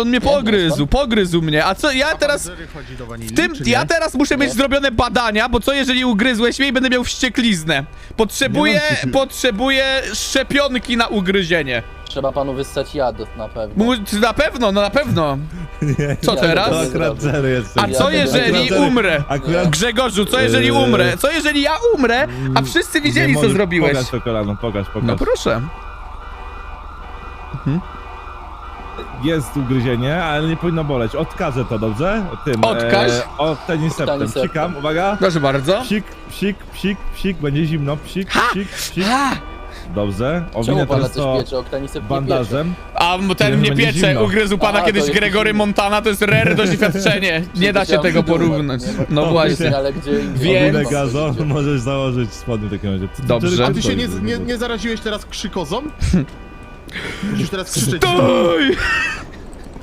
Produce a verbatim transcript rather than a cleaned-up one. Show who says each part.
Speaker 1: on mnie pogryzł, pogryzł mnie. A co, ja teraz...
Speaker 2: Chodzi do wanilii,
Speaker 1: W tym, ja teraz muszę mieć zrobione badania, bo co jeżeli ugryzłeś mnie i będę miał wściekliznę? Potrzebuję, potrzebuję szczepionki na ugryzienie.
Speaker 3: Trzeba panu wyssać jad na pewno.
Speaker 1: Mu, na pewno, no na pewno. Co
Speaker 3: Ja
Speaker 1: teraz?
Speaker 3: to
Speaker 4: To akurat zero jest.
Speaker 1: A co jeżeli umrę?
Speaker 4: Akurat...
Speaker 1: Grzegorzu, co jeżeli umrę? Co jeżeli ja umrę, a wszyscy widzieli, co
Speaker 4: możesz-
Speaker 1: zrobiłeś?
Speaker 4: Pokaż to kolano, pokaż, pokaż.
Speaker 1: No proszę.
Speaker 4: Jest ugryzienie, ale nie powinno boleć. Odkażę to, dobrze? Tym.
Speaker 1: Odkaż?
Speaker 4: E, Octaniseptem.
Speaker 3: Octaniseptem.
Speaker 4: Psikam, uwaga.
Speaker 1: Proszę bardzo.
Speaker 4: Psik, psik, psik, psik, będzie zimno. Psik,
Speaker 1: Ha!
Speaker 4: psik, psik.
Speaker 1: Ha!
Speaker 4: Dobrze.
Speaker 3: Czemu
Speaker 4: Owinę
Speaker 3: pana
Speaker 4: teraz
Speaker 3: coś
Speaker 4: to
Speaker 3: piecze? Oktanisep nie piecze.
Speaker 4: bandażem.
Speaker 1: A ten
Speaker 4: Nie,
Speaker 1: mnie
Speaker 4: będzie
Speaker 1: piecze,
Speaker 4: zimno.
Speaker 1: ugryzł pana
Speaker 3: A,
Speaker 1: kiedyś
Speaker 3: to jest
Speaker 1: Gregory
Speaker 3: zimno.
Speaker 1: Montana, to jest rare doświadczenie. Nie da się tego porównać. No właśnie.
Speaker 3: Ale gdzie
Speaker 1: Więc-
Speaker 4: Owinę gazo, możesz założyć spodnie w takim razie. Co ty-
Speaker 1: Dobrze.
Speaker 4: co ty
Speaker 2: A ty się
Speaker 4: robisz?
Speaker 2: nie, nie, nie zaraziłeś teraz krzykozą? Musisz teraz krzyczeć.
Speaker 1: Stój!